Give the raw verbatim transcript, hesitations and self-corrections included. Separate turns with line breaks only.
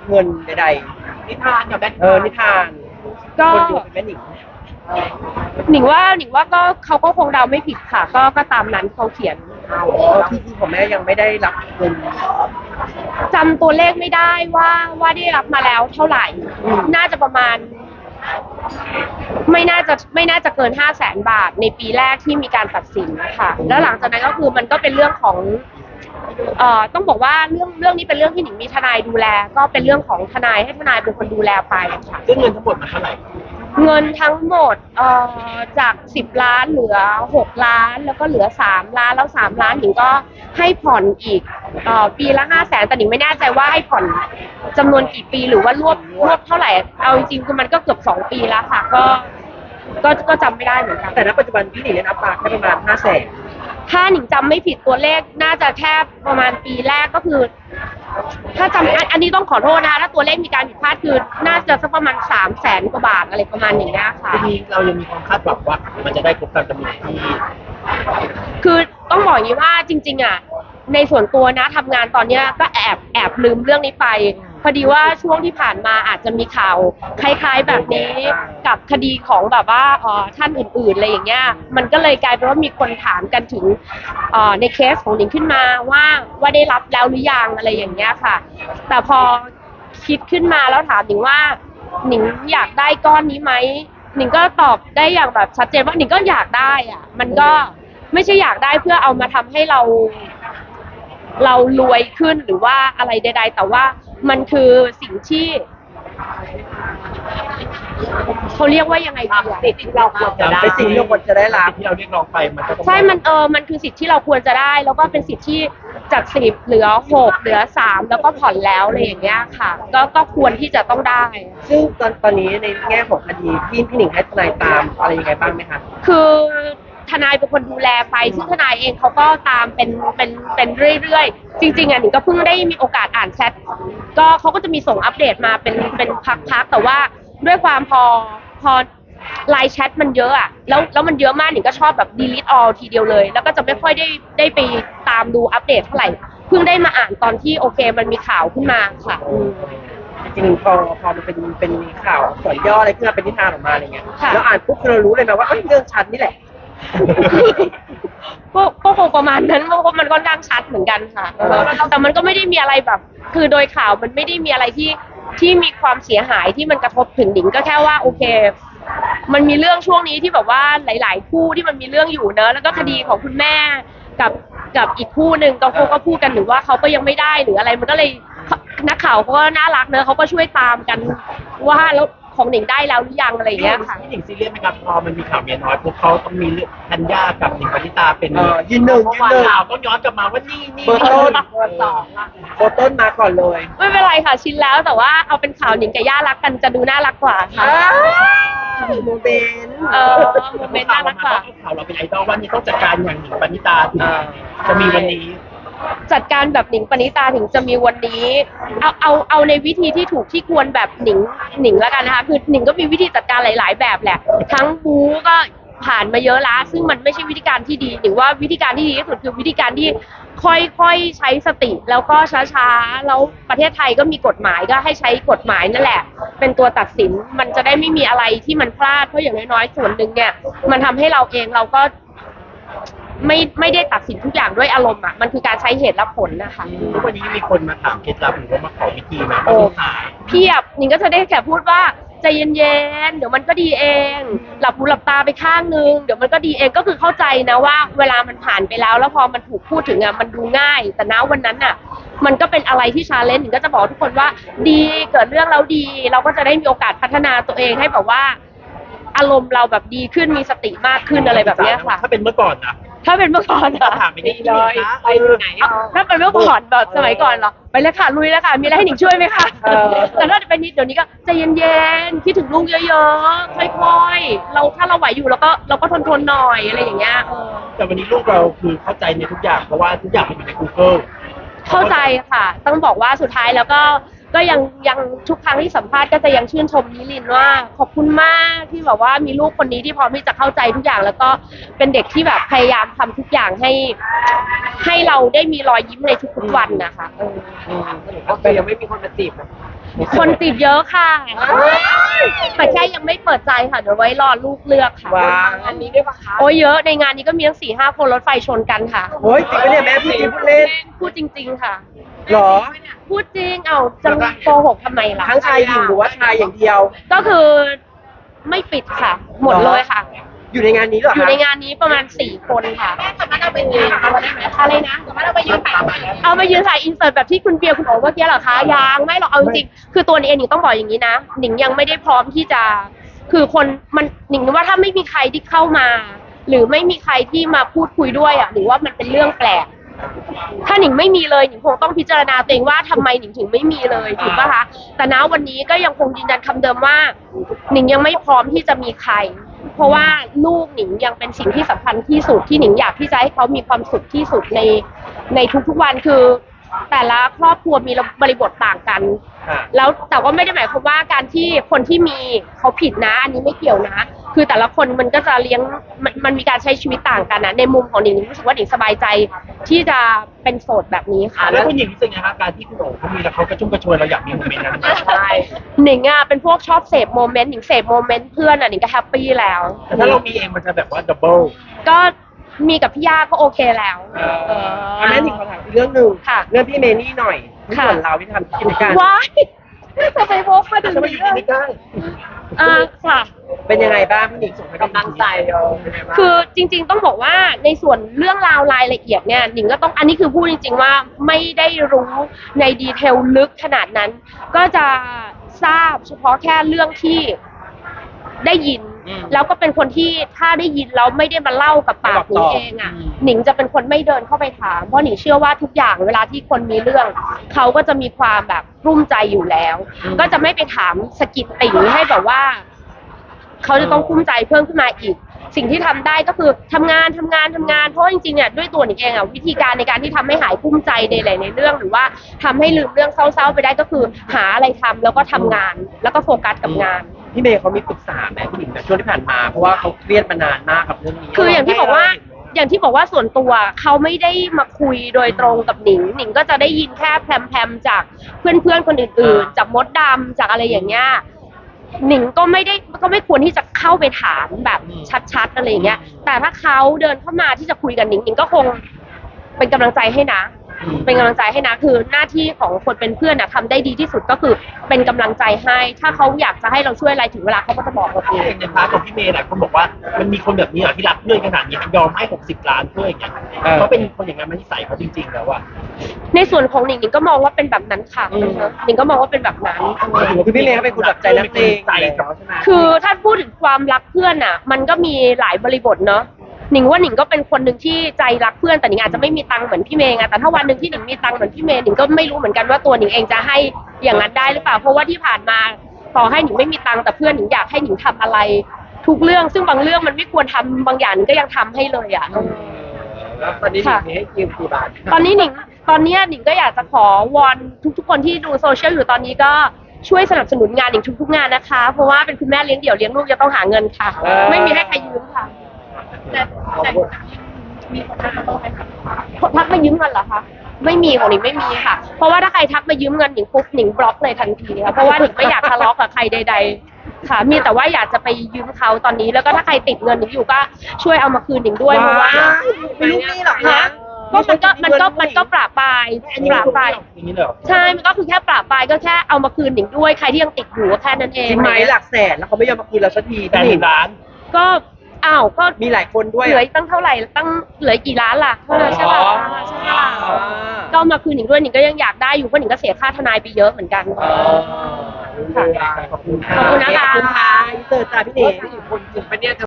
เงินใด
นิทานกับแบท
ๆเออนิทาน
ก็
คนดูเป็นแม่หนิง
หนิงว่าหนิงว่าก็เขาก็คงเดาไม่ผิดค่ะก็ก็ตามนั้นเขาเขียน
เอาที่ที่ของแม่ยังไม่ได้รับเงิน
จำตัวเลขไม่ได้ว่าว่าได้รับมาแล้วเท่าไหร่น่าจะประมาณไม่น่าจะไม่น่าจะเกินห้าแสนบาทในปีแรกที่มีการตัดสินค่ะแล้วหลังจากนั้นก็คือมันก็เป็นเรื่องของเอ่อต้องบอกว่าเรื่องเรื่องนี้เป็นเรื่องที่หนิงมีทนายดูแลก็เป็นเรื่องของทนายให้ทนายเป็นคนดูแลไปค่ะ
ซึ่งเงินทั้งหมดมันเท่าไหร่
เงินทั้งหมดเอ่อจากสิบล้านเหลือหกล้านแล้วก็เหลือสามล้านแล้วสามล้านหนิงก็ให้ผ่อนอีกเอ่อปีละห้าแสนแต่หนิงไม่แน่ใจว่าให้ผ่อนจำนวนกี่ปีหรือว่ารวบรวบเท่าไหร่เอาจริงๆคือมันก็เกือบสองปีแล้วค่ะก็ก็ก็จำไม่ได้เหมือนกัน
แต่ณปัจจุบันพี่หนิงได้รับมาแค่ประมาณห้าแสน
ถ้าหนิงจำไม่ผิดตัวเลขน่าจะแค่ประมาณปีแรกก็คือถ้าจำอันนี้ต้องขอโทษนะคะถ้าตัวเลขมีการผิดพลาดคือน่าจะสักประมาณสามแสนกว่าบาทอะไรประมาณอย่างเงี้ยค่ะ
ทีนี้เรายังมีความคาดหวังว่ามันจะได้ครบตามจำนวนที่
คือต้องบอกอย่างนี้ว่าจริงๆอ่ะในส่วนตัวนะทำงานตอนเนี้ยก็แอบแอบลืมเรื่องนี้ไปพอดีว่าช่วงที่ผ่านมาอาจจะมีข่าวคล้ายๆแบบนี้กับคดีของแบบว่าอ๋อท่านอื่นๆอะไรอย่างเงี้ยมันก็เลยกลายเป็นว่ามีคนถามกันถึงอ่อในเคสของหนิงขึ้นมาว่าว่าได้รับแล้วหรือยังอะไรอย่างเงี้ยค่ะแต่พอคิดขึ้นมาแล้วถามหนิงว่าหนิงอยากได้ก้อนนี้ไหมหนิงก็ตอบได้อย่างแบบชัดเจนว่าหนิงก็อยากได้อ่ะมันก็ไม่ใช่อยากได้เพื่อเอามาทำให้เราเรารวยขึ้นหรือว่าอะไรใดๆแต่ว่ามันคือสิ่งที่เขาเรียกว่ายังไงดีอะ
สิทธิ์ที่เราควรจะได้
เป็นสิ่งที่เราควรจะได้รับ
ที่เราเรียกร้องไปมันก็ต้อง
ใช่มันเออมันคือสิทธิ์ที่เราควรจะได้แล้วก็เป็นสิทธิ์ที่จากสิบเหลือหกเหลือสามแล้วก็ผ่อนแล้วอะไรอย่างเงี้ยค่ะก็ก็ควรที่จะต้องได้
ซึ่งตอนตอนนี้ในแง่ของคดีพี่พี่หนิงให้ทนายตามอะไรยังไงบ้างไหมคะ
คือทนายเป็นคนดูแลไปซึ่งทนายเองเขาก็ตามเป็นเป็นเป็นเรื่อยๆจริงๆอ่ะหนิงก็เพิ่งได้มีโอกาสอ่านแชทก็เขาก็จะมีส่งอัปเดตมาเป็นเป็นพักๆแต่ว่าด้วยความพอพอไลน์แชทมันเยอะอ่ะแล้วแล้วมันเยอะมากหนิงก็ชอบแบบ delete all ทีเดียวเลยแล้วก็จะไม่ค่อยได้ได้ไปตามดูอัปเดตเท่าไหร่เพิ่งได้มาอ่านตอนที่โอเคมันมีข่าวขึ้นมาค่ะ
จริงๆพอพอมันเป็นเป็นข่าวส่วนย่ออะไรขึ้นมาเป็นนิทานออกมาอะไรเงี้ยแล้วอ่านปุ๊บเรารู้เลยไหมว่าเรื่องชัดนี่แหละ
ก็ก็คงประมาณนั้นเพราะมันค่อนข้างชัดเหมือนกันค่ะแต่มันก็ไม่ได้มีอะไรแบบคือโดยข่าวมันไม่ได้มีอะไรที่ที่มีความเสียหายที่มันกระทบถึงหนิงก็แค่ว่าโอเคมันมีเรื่องช่วงนี้ที่แบบว่าหลายๆคู่ที่มันมีเรื่องอยู่เนอะแล้วก็คดีของคุณแม่กับกับอีกคู่หนึ่งก็เขาก็พูดกันหรือว่าเขาก็ยังไม่ได้หรืออะไรมันก็เลยนักข่าวเขาก็น่ารักเนอะเขาก็ช่วยตามกันว่าแล้วของหนิงได้แล้วหรือยังอะไรอย่างเงี้ยค่ะ
พี่หนิงซีเรียสไหมครับพอมันมีข่าวเมียน้อยพวกเขาต้องมีธัญญากับหนิงปณิตาเป็น
ยืนหนึ่งยืนหนึ่ง
ข่าวต้องย้อนกลับมาว่านี่นี่
เบอร์ต้นเบอร์สองเบอร์ต้นมาก่อนเลย
ไม่เป็นไรค่ะชินแล้วแต่ว่าเอาเป็นข่าวหนิงกับย่ารักกันจะดูน่ารักกว่าค่ะ
โมเมนต์
เออโมเมนต์น่ารักกว่า
ข่าวเราเป็นไอดอลว่านี่ต้องจัดการอย่างหนิงปณิตาถึงจะมีวันนี้
จัดการแบบหนิงปณิตาถึงจะมีวันนี้เอาเอาเอาในวิธีที่ถูกที่ควรแบบหนิงหนิงแล้วกันนะคะคือหนิงก็มีวิธีจัดการหลายๆแบบแหละทั้งบู๊ก็ผ่านมาเยอะแล้วซึ่งมันไม่ใช่วิธีการที่ดีหนิงว่าวิธีการที่ดีที่สุดคือวิธีการที่ค่อยๆใช้สติแล้วก็ช้าๆแล้วประเทศไทยก็มีกฎหมายก็ให้ใช้กฎหมายนั่นแหละเป็นตัวตัดสินมันจะได้ไม่มีอะไรที่มันพลาดเพราะอย่างน้อยๆส่วนหนึ่งเนี่ยมันทำให้เราเองเราก็ไม่ไม่ได้ตัดสินทุกอย่างด้วยอารมณ์อ่ะมันคือการใช้เหตุและผลนะคะ
ทุกวันนี้มีคนมาถามเคล็ดลับหรือว่ามาขอวิธีมา
โอ้เพียบหนิงก็จะได้แค่พูดว่าใจเย็นๆเดี๋ยวมันก็ดีเองหลับหูหลับตาไปข้างนึงเดี๋ยวมันก็ดีเองก็คือเข้าใจนะว่าเวลามันผ่านไปแล้วแล้วพอมันถูกพูดถึงอ่ะมันดูง่ายแต่ณวันนั้นอ่ะมันก็เป็นอะไรที่ชาเลนจ์หนิงก็จะบอกทุกคนว่าดีเกิดเรื่องแล้วดีเราก็จะได้มีโอกาสพัฒนาตัวเองให้แบบว่าอารมณ์เราแบบดีขึ้นมีสติมากขึ้นอะไรแบบนี้ค่ะ
ถ้าเป็นเมื่อก่อนนะ
ถ้าเป็นเมื่อก่อนอะ
ถามไม่ได้เลยไปไหน
ถ้าเป็นเมื่อก่อนแบบสมัยก่อนเหรอไปเลยค่ะลุยแล้วค่ะมีอะไรให้หนิงช่วยไหมคะแต่ถ้าเป็นนิดเดี๋ยวนี้ก็ใจเย็นๆคิดถึงลูกเยอะๆค่อยๆเราถ้าเราไหวอยู่เราก็เราก็ทนๆหน่อยอะไรอย่างเงี้ย
แต่วันนี้ลูกเราคือเข้าใจในทุกอย่างเพราะว่าทุกอย่างมันอยู่ใน Google
เข้าใจค่ะต้องบอกว่าสุดท้ายแล้วก็ก็ยังยังทุกครั้งที่สัมภาษณ์ก็จะยังชื่นชมนิลินว่าขอบคุณมากที่แบบว่ามีลูกคนนี้ที่พร้อมที่จะเข้าใจทุกอย่างแล้วก็เป็นเด็กที่แบบพยายามทำทุกอย่างให้ให้เราได้มีรอยยิ้มในทุกๆวันนะคะ
เออแต่ยังไม่มีคนมาจีบ
คนจีบเยอะค่ะ แต่แค่ยังไม่เปิดใจค่ะเดี๋ยวไว้รอลูกเลือกค่ะ
ว้าว
อันนี้ด้วยปะคะโอ้ยเยอะในงานนี้ก็มีทั้งสี่ห้าคนรถไฟชนกันค่ะ
โอ้ยจริงปะเนี่ยแม่พูดจริงพูดเล่น
พูดจริง ๆ ค่ะ
เหรอ
พูดจริงเอาจะโกหกทำไมล่ะ
ทั้งชายหญิงหรือว่าชายอย่างเดียว
ก็คือไม่ปิดค่ะ หมดเลยค่ะ
อยู่ในงานนี้เหรอ
อ
คะ
ยู่ในงานนี้ประมาณสี่คนค่ะ
สามารถเอาไปยืนถ่ายได้ไหม
อะไรนะ
สามารถเอาไปยืนถ่ายได้ไหม
เอามายืนถ่ายอินเสิร์ตแบบที่คุณเบียร์คุณโอ๋เมื่อกี้เหรอคะยังไม่หรอกเอาจริงๆคือตัวหนิงเองหนิงต้องบอกอย่างนี้นะหนิงยังไม่ได้พร้อมที่จะ คือคนมันหนิงว่าถ้าไม่มีใครที่เข้ามา หรือไม่มีใครที่มาพูดคุยด้วยอ่ะหรือว่ามันเป็นเรื่องแปลก ถ้าหนิงไม่มีเลยหนิงคงต้องพิจารณาตัวเองว่าทำไมหนิงถึงไม่มีเลยถูกป่ะคะแต่ณวันนี้ก็ยังคงยืนยันคำเดิมว่าหนิงยังไม่พร้อมที่จะมีใคร เพราะว่าลูกหนิงยังเป็นสิ่งที่สำคัญที่สุดที่หนิงอยากที่จะให้เขามีความสุขที่สุดในในทุกๆวันคือ แต่ละครอบครัวมีบริบทต่างกัน
ค่ะ
แล้วแต่ว่าไม่ได้หมายความว่าการที่คนที่มีเขาผิดนะ อันนี้ไม่เกี่ยวนะ คือแต่ละคนมันก็จะเลี้ยงมันมันมีการใช้ชีวิตต่างกันนะในมุมของหนิงหนิงรู้สึกว่าหนิงสบายใจที่จะเป็นโสดแบบนี้ค่ะ
แล้วคุณหญิงรู้สึกไงคะการที่คุณโอ๋เขามีแล้วเขากระชุ่มกระชวยเราอยากมีโมเมนต์นั้นไหม
ใช่หนิงอ่ะเป็นพวกชอบเสพโมเมนต์หนิงเสพโมเมนต์เพื่อนอ่ะหนิงก็แฮปปี้แล้ว
แต่ถ้าเรามีเองมันจะแบบว่าดับเบิล
ก็มีกับพี่ย่าก็โอเคแล้ว
เออแม่หนิงขอถามอีกเรื่องหนึ่ง
ค่ะ
เรื่องพี่เมนี่หน่อยที่
ค่ะ
ส่วนเราที่ทำกิจการ
ว้ายจะไปพบมาถึง
จะมาอยู่ที่นี่ได้
อ่าค่ะ
เป็นยังไงบ้างพี่หนิงส่งให้กำลังใจเออเป็นยังไงบ้าง
คือจริงๆต้องบอกว่าในส่วนเรื่องราวรายละเอียดเนี่ยหนิงก็ต้องอันนี้คือพูดจริงๆว่าไม่ได้รู้ในดีเทลลึกขนาดนั้น ก็จะทราบเฉพาะแค่เรื่องที่ได้ยิน
อืม
แล้วก็เป็นคนที่ถ้าได้ยินแล้วไม่ได้มาเล่ากับปากหนิงเองอ่ะ
อืม
หนิงจะเป็นคนไม่เดินเข้าไปถามเพราะหนิงเชื่อว่าทุกอย่างเวลาที่คนมีเรื่องเขาก็จะมีความแบบรุ่มใจอยู่แล้ว ก็จะไม่ไปถามสะกิดติ่งให้แบบว่า เขาจะต้องกุ้มใจเพิ่มขึ้นมาอีก สิ่งที่ทำได้ก็คือทำงานทำงานทำงานเพราะจริงๆเนี่ยด้วยตัวหนิงเองอ่ะวิธีการในการที่ทำให้หายกุ้มใจในหลายๆเรื่องหรือว่าทำให้ลืมเรื่องเศร้าๆไปได้ก็คือ หาอะไรทำแล้วก็ทำงาน แล้วก็โฟกัสกับงาน
พี่เมย์เขามีปรึกษาแม่พี่หนิงในช่วงที่ผ่านมาเพราะว่าเขาเครียดมานานมากกับเรื่องนี้
คืออย่างที่บอกว่า อย่างที่บอกว่าส่วนตัวเขาไม่ได้มาคุยโดยตรงกับหนิง หนิงก็จะได้ยินแค่แพรมๆจากเพื่อนๆคนอื่นๆ จากมดดำจากอะไรอย่างเงี้ย หนิงก็ไม่ได้ก็ไม่ควรที่จะเข้าไปถามแบบชัดๆอะไรอย่างเงี้ย แต่ถ้าเขาเดินเข้ามาที่จะคุยกับหนิงหนิงก็คงเป็นกำลังใจให้นะ เป็นกำลังใจให้นะคือหน้าที่ของคนเป็นเพื่อนนะทำได้ดีที่สุดก็คือเป็นกำลังใจให้ ถ้าเขาอยากจะให้เราช่วยอะไรถึงเวลาเขาก็จะบอกเราเอง
ในพาร์ทของพี่เมย์หลายคนบอกว่ามันมีคนแบบนี้เหรอที่รักเพื่อนขนาดนี้ยอมให้หกสิบล้านเพื่ออย่างเงี้ยเขาเป็นคนอย่างนั้นมันนิสัยเขาจริงๆแล้วอะ
ในส่วนของหนิงหนิงก็มองว่าเป็นแบบนั้นค่ะหนิงก็มองว่าเป็นแบบนั้น
คือพี่เมย์เขาเป็นคนแบบใจนักเลง
ใจ
ใจ
กับ
เขาใช่ไหม
คือถ้าพูดถึงความรักเพื่อนอ่ะ มันก็มีหลายบริบทเนาะหนิงว่าหนิงก็เป็นคนหนึ่งที่ใจรักเพื่อนแต่หนิงอาจจะไม่มีตังค์เหมือนพี่เมย์ไงแต่ถ้าวันหนึ่งที่หนิงมีตังค์เหมือนพี่เมย์หนิงก็ไม่รู้เหมือนกันว่าตัวหนิงเองจะให้อย่างนั้นได้หรือเปล่าเพราะว่าที่ผ่านมาต่อให้หนิงไม่มีตังค์แต่เพื่อนหนิงอยากให้หนิงทำอะไร ทุกเรื่องซึ่งบางเรื่องมันไม่ควรทำบางอย่างหนิงก็ยังทำให้เลยอ่ะ
แล้วตอนนี้หนิงมีให้ยืมกี่บาท
ตอนนี้หนิงตอนเนี้ยหนิงก็อยากจะขอวอนทุกๆคนที่ดูโซเชียลอยู่ตอนนี้ก็ช่วยสนับสนุนงานหนิงทุกๆงานนะคะ เพราะว่าเป็นคุณแม่เลี้ยงเดี่ยวเลี้ยงลูกจะต้องหาเงินค่ะ ไม่มีให้ใครยืมค่ะ
แต่แต่มีคนทักมาโต้ไหมคะ
ทักมายืมเงินเหรอคะไม่มีของหนิงไม่มีค่ะ เพราะว่าถ้าใครทักมายืมเงินหนิงปุ๊บหนิงบล็อกเลยทันทีค่ะเพราะว่าหนิงไม่อยากทะเลาะกับใครใด ๆ ค่ะ มีแต่ว่าอยากจะไปยืมเขาตอนนี้แล้วก็ถ้าใครติดเงินหนิงอยู่ก็ช่วยเอามาคืนหนิงด้วยเพราะว่า
เป็นลูกหนี้เหรอคะ
ก็มันก็มันก็มันก็ปราบปรายปราบปราย
อย่างนี้เลยเหรอ
ใช่ มันก็คือแค่ปราบปรายก็แค่เอามาคืนหนิงด้วย ใครที่ยังติดอยู่ก็แค่นั้นเอง
จริงไหมหลักแสนแล้วเขาไม่ยอมมาคืนเราสักที
แต่
พี่ห
ห
นิ
นึ่
ง
งล้าน
ก็อ้าวก็
มีหลายคนด้วย
เหลืออีกตั้งเท่าไหร่ตั้งเหลือกี่ล้านล่ะเท่านั้นใช่ป่ะใช่ป่ะก็เอามาคืนหนิงด้วยหนิงก็ยังอยากได้อยู่เพราะหนิงก็เสียค่าทนายไปเยอะเหมือนกัน
อ๋อ
ขอบคุณ
ขอบคุณนะคะ
ขอบคุณค่ะอินเตอร์จ้าพี่หนิง
คนจริงปะเนี่ย